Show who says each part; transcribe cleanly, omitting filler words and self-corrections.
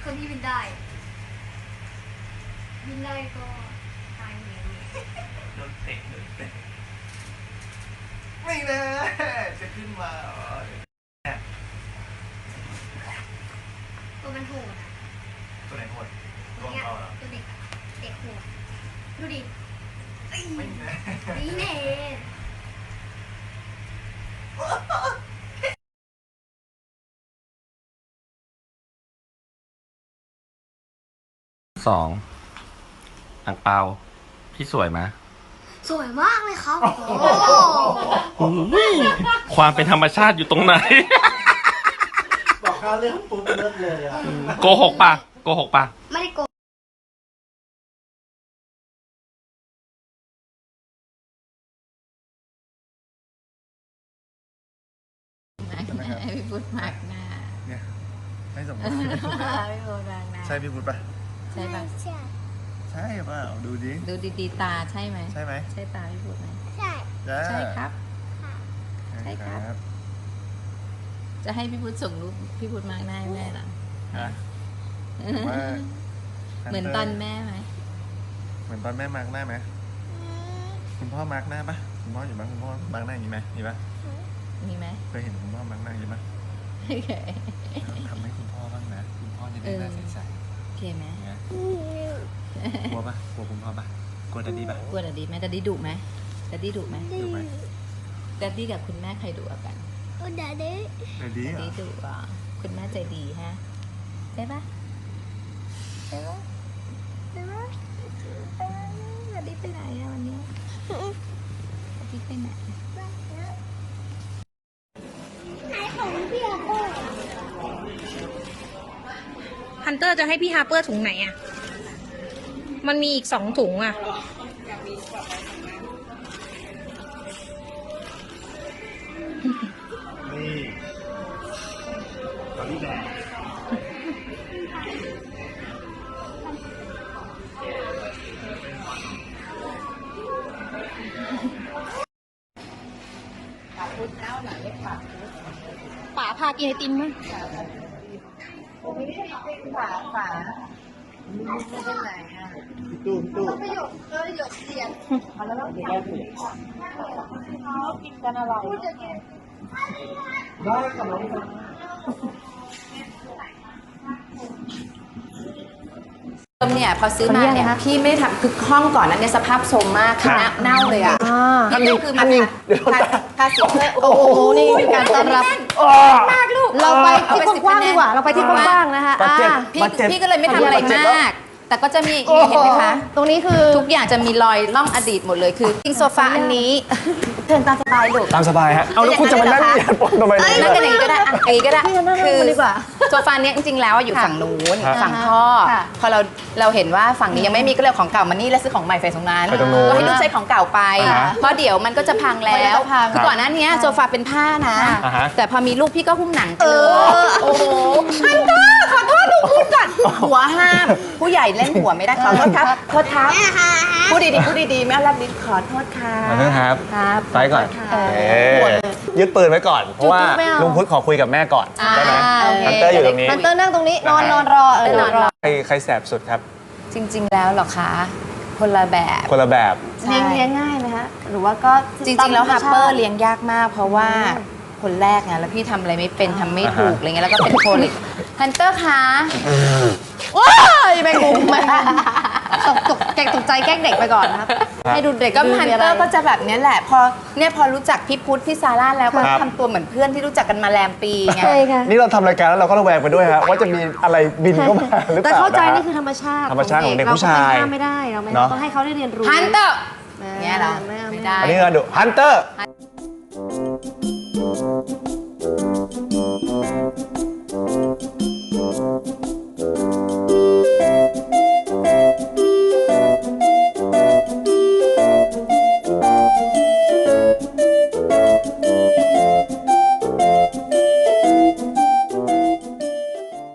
Speaker 1: คนที่บินได้ก็ตายเอง
Speaker 2: โดนเตะไม่นะจะขึ้นมา
Speaker 1: ตัวมันโหดอ่ะ
Speaker 2: ตัวไหนโหด
Speaker 1: ตัวเนี้ยตัวเด็กอะเด็กโหดดูดิ
Speaker 2: ไม่นะ
Speaker 1: นี่เน่
Speaker 3: 2อ่างเปาพี่สวยไหม
Speaker 1: สวยมากเลยครับโอ้
Speaker 3: อุ๊ยความเป็นธรรมชาติอยู่ตรงไหน
Speaker 2: บอกข้าเรื่องปุ๊บเลิกเลยอ่ะ
Speaker 3: โกหกปะโกหกปะ
Speaker 1: ไม่ได้โกง
Speaker 4: ให้พี่พุทธหมักหน้า
Speaker 2: เนี่ยไม่สมมติ
Speaker 4: พี่พุทธหมักหน้า
Speaker 2: ใช่พี่พุทธป่ะ
Speaker 4: ใช่ปะ
Speaker 2: ใช่ป่ะดูดิ
Speaker 4: ดูดีๆตาใช่ไหม
Speaker 2: ใช่ไหม
Speaker 4: ใช่ตาพี่พุทธไหม
Speaker 1: ใช่
Speaker 4: ใช่ครับ
Speaker 2: ใช่ครับ
Speaker 4: จะให้พี่พุทธส่งรูปพี่พุทธหมักหน้าให้แม่เหรอ
Speaker 2: นะว่า
Speaker 4: เหมือนตอนแม่ไหม
Speaker 2: เหมือนตอนแม่มาร์กหน้าไหมคุณพ่อมาร์กหน้าปะคุณพ่ออยู่บ้างคุณพ่อมาร์กหน้าอย่างนี้ไหมมีปะ
Speaker 4: มีไหม
Speaker 2: เคยเห็นคุณพ่อมาร์กหน้าอย่างนี้ปะ
Speaker 4: โอเค
Speaker 2: ทำให้คุณพ่อบ้างนะคุณพ่อจะได้หน้าใส
Speaker 4: โอเคไหม
Speaker 2: ๆเนี่ยกลัวปะกลัวคุณพ่อปะกลัวดัดดี้ปะ
Speaker 4: กลัวดัดดี้ไหมดัดดี้ดุไหมดัดดี้ดุไหม
Speaker 2: ดูไหม
Speaker 4: ดัดดี้กับคุณแม่ใครดุกว่ากัน
Speaker 1: โอ้เด็ก
Speaker 2: ดัดดี้
Speaker 4: ดัด
Speaker 2: เหรอ
Speaker 4: ดี้ดุอ่ะคุณแม่ใจดีฮะใช่ปะใช่ปะใช่ปะดัดดี้ไปไหนอะวันนี้ดัดดี้ไปไหน
Speaker 5: ฮันเตอร์จะให้พี่ฮาร์เปอร์ถุงไหนอ่ะ มันมีอีก2 ถุงอ่ะ
Speaker 2: นี่ตอนนี้แบบ
Speaker 5: ป๋าพากินไอติมมั้ง
Speaker 2: ตู้ได้กับน้อง
Speaker 4: เนี่ยพอซื้อมาเนี่ยพี่ไม่ได้ทำคือห้องก่อนนั้นเนี่ยสภาพโทรมมากคือเน่าเลยอ่ะนี่ก็คือมาทาสีเพื่อโอ้โหนี่คือการต้อนรับมากลูก
Speaker 5: เราไปที่กว้างๆดีกว่า เราไปที่กว้างๆนะคะ
Speaker 4: พี่ก็เลยไม่ทำอะไรมาก แต่ก็จะมีเห็นไหมคะ
Speaker 5: ตรงนี้คือ
Speaker 4: ทุกอย่างจะมีรอยล่องอดีตหมดเลยคือทิ้งโซฟาอันนี้เชิญตามสบายลูก
Speaker 2: ตามสบายฮะเอาแล้วคุณจะมานั่งเหยียดปนทำไม
Speaker 4: นั่งกันอย่างนี้ก็ได้อันนี้ก็ได้
Speaker 5: พี่นั่งดีกว่า
Speaker 4: โซฟาเนี้ยจริงๆแล้วอยู่ฝั่งนู้นฝั่งพ่อ
Speaker 5: ค่ะ
Speaker 4: พอเราเห็นว่าฝั่งนี้ยังไม่มีก็เลยเอาของเก่ามานี่แล้วซื้อของใหม่ใส่ตรงนั้น
Speaker 2: ไปตรงนู้น
Speaker 4: ก็ให้ลูกใช้ของเก่าไป เพราะเดี๋ยวมันก็จะพังแล้ว
Speaker 5: มันจะพัง
Speaker 4: คือก่อนหน้านี้โซฟาเป็นผ้านะ
Speaker 2: อ่าฮะ
Speaker 4: แต่พอมีลูกพี่ก็หุ้มหนังไปเลยโอ้โหฮันเตอร์ขอโทษลูกพูดก่อนหัวห้าม ผู้ใหญ่เล่นหัวไม่ได้ขอโทษครับโทษครับพูดดีๆแม่รับลิ้นขอโทษค่ะ
Speaker 2: ขอโทษครับ
Speaker 4: ครับ
Speaker 2: ไปก่อน
Speaker 4: ขโทษค่ะ
Speaker 2: ยึดปืนไว้ก่อน เพราะว่า
Speaker 5: ไม่เอา
Speaker 2: ลุงพุทธขอคุยกับแม่ก่อนได้ไหม
Speaker 4: โอเค
Speaker 2: ฮันเตอร์อยู่ตรงนี้
Speaker 5: ฮันเตอร์นั่งตรงนี้ นอนรอ
Speaker 4: นอนรอ
Speaker 2: ใครแสบสุดครับ
Speaker 4: จริงๆแล้วเหรอคะคนละแบบ
Speaker 2: คนละแบบ
Speaker 4: ใช่
Speaker 5: เลี้ยงง่ายไหมคะ หรือว่าก็
Speaker 4: จริงๆแล้วฮัปเปอร์เลี้ยงยากมาก เพราะว่าคนแรกไงแล้วพี่ทำอะไรไม่เป็นทำไม่ถูกอะไรเงี้ยแล้วก็เป็นโคลิกฮันเตอร์คะ
Speaker 5: ว้ายแมงมุมมาตกใจแกล้งเด็กไปก่อนนะครับ ให้ดูเด็ก
Speaker 4: ก็
Speaker 5: ดื้
Speaker 4: ฮัน
Speaker 5: มีะ
Speaker 4: เต
Speaker 5: ไร
Speaker 4: อร์ก็จะแบบเนี้ยแหละพอรู้จักพี่พุทธพี่ซาร่าแล้วก็ทำตัวเหมือนเพื่อนที่รู้จักกันมาแรมปีไง
Speaker 5: ใช่ค่ะ
Speaker 2: นี่เราทำรายการแล้วเราก็ระแวงไปด้วยฮะว่าจะมีอะไรบินเข้ามาหรือเป
Speaker 5: แต่
Speaker 2: ล่า
Speaker 5: เข้าใจ
Speaker 2: ะฮะ
Speaker 5: นี่คือธรรมชาติ
Speaker 2: ธรรมชาติของเด็กผู้ชาย
Speaker 5: เราก็ไปห้ามไม่ได้เราไม่
Speaker 2: เนอะ
Speaker 5: ต้องให้เขาได้เรียนรู้
Speaker 4: ฮันเตอร์
Speaker 5: ไม่
Speaker 4: เนี่ยเหรอ
Speaker 5: ไม่เอา
Speaker 4: ไม่
Speaker 5: ไม่
Speaker 4: ได้
Speaker 5: ได้
Speaker 2: อันนี้เราดูฮันเตอร์